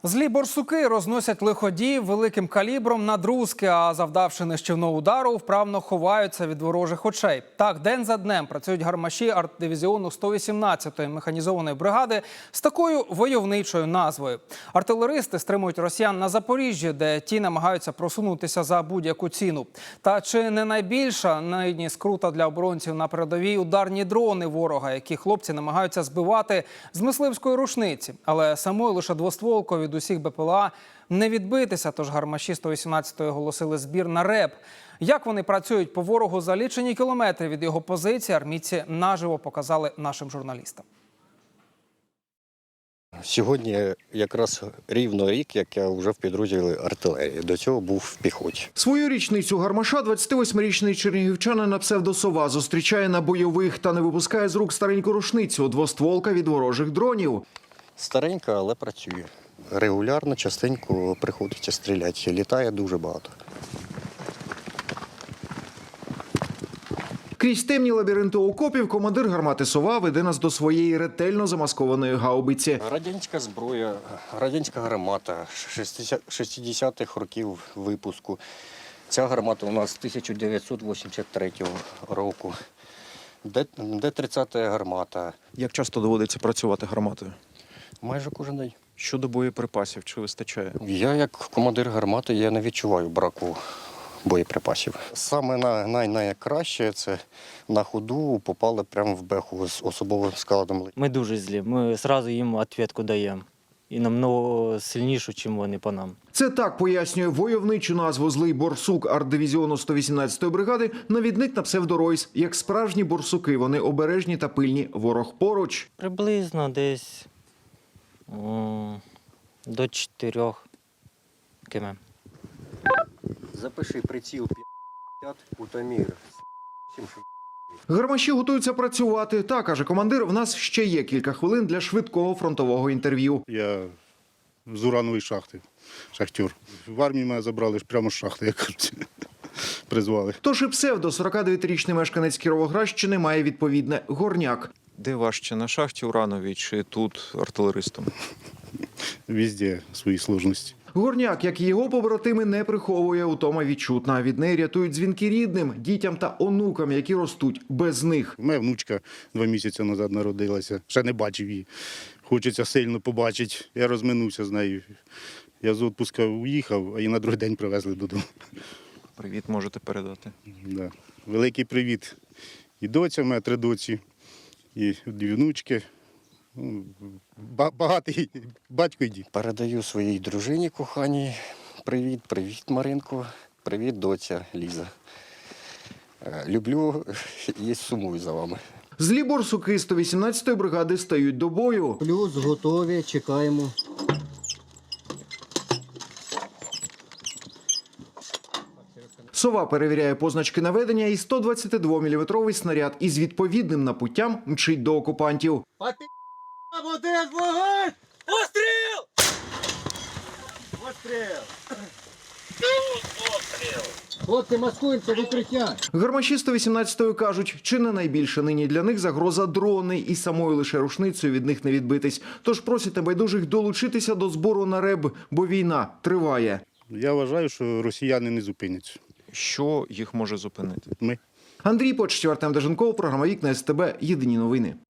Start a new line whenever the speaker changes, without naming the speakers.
Злі борсуки розносять лиходіїв великим калібром на друзки, а завдавши нищівного удару, вправно ховаються від ворожих очей. Так, день за днем працюють гармаші артдивізіону 118-ї механізованої бригади з такою войовничою назвою. Артилеристи стримують росіян на Запоріжжі, де ті намагаються просунутися за будь-яку ціну. Та чи не найбільша нині скрута для оборонців на передовій ударні дрони ворога, які хлопці намагаються збивати з мисливської рушниці. Але самою лише двостволкою від усіх БПЛА не відбитися, тож гармаші 118-ї оголосили збір на РЕБ. Як вони працюють по ворогу за лічені кілометри від його позиції, армійці наживо показали нашим журналістам.
Сьогодні якраз рівно рік, як я вже в підрозділі артилерії. До цього був в піхоті.
Свою річницю гармаша 28-річний чернігівчанин на псевдо-Сова зустрічає на бойових та не випускає з рук стареньку рушницю – двостволка від ворожих дронів.
Старенька, але працює. Регулярно, частенько приходиться стріляти. Літає дуже багато.
Крізь темні лабіринти окопів командир гармати «Сова» веде нас до своєї ретельно замаскованої гаубиці.
Радянська зброя, радянська гармата 60-х років випуску. Ця гармата у нас 1983 року. Д-30 гармата.
Як часто доводиться працювати гарматою?
Майже кожен день.
Щодо боєприпасів, чи вистачає?
Я, як командир гармати, я не відчуваю браку боєприпасів. Саме найкраще – це на ходу попали прямо в беху з особовим складом.
Ми дуже злі, ми одразу їм відповідь даємо. І намного сильнішу, ніж вони по нам.
Це так пояснює войовничу назву «Злий борсук» артдивізіону 118-ї бригади навідник на псевдоройс. Як справжні борсуки, вони обережні та пильні, ворог поруч.
Приблизно десь до 4 км.
Запиши приціл 50, утамір.
Гармаші готуються працювати. Та, каже командир, в нас ще є кілька хвилин для швидкого фронтового інтерв'ю.
Я з уранової шахти, шахтер. В армії мене забрали ж прямо з шахти, як кажуть, призвали.
Тож і псевдо 49-річний мешканець Кіровоградщини має відповідне – Горняк.
Де важче, на шахті урановій чи тут артилеристом?
Везде свої сложності.
Горняк, як і його побратими, не приховує, утома відчутна. Від неї рятують дзвінки рідним, дітям та онукам, які ростуть без них.
У мене внучка 2 місяці назад народилася, ще не бачив її. Хочеться сильно побачити. Я розминувся з нею. Я з відпустку уїхав, а її на другий день привезли додому.
Привіт можете передати.
Да. Великий привіт. І доця, в мене 3 доці, і 2 внучки. Багатий батько і дід.
Передаю своїй дружині коханій. Привіт, привіт, Маринко. Привіт, доця Ліза. Люблю і сумую за вами.
Злі борсуки 118-ї бригади стають до бою.
Плюс готові, чекаємо.
«Сова» перевіряє позначки наведення і 122-мм снаряд із відповідним напуттям мчить до окупантів.
Один вогонь! Постріл! Постріл! Хлопці, маскуємося, викриття!
Гармаші 118-ї кажуть, чи не найбільше нині для них загроза дрони, і самою лише рушницею від них не відбитись. Тож просять небайдужих долучитися до збору на РЕБ, бо війна триває.
Я вважаю, що росіяни не зупиняться.
Що їх може зупинити?
Ми.
Андрій Почтів, Артем Деженков, програма «Вікна СТБ». Єдині новини.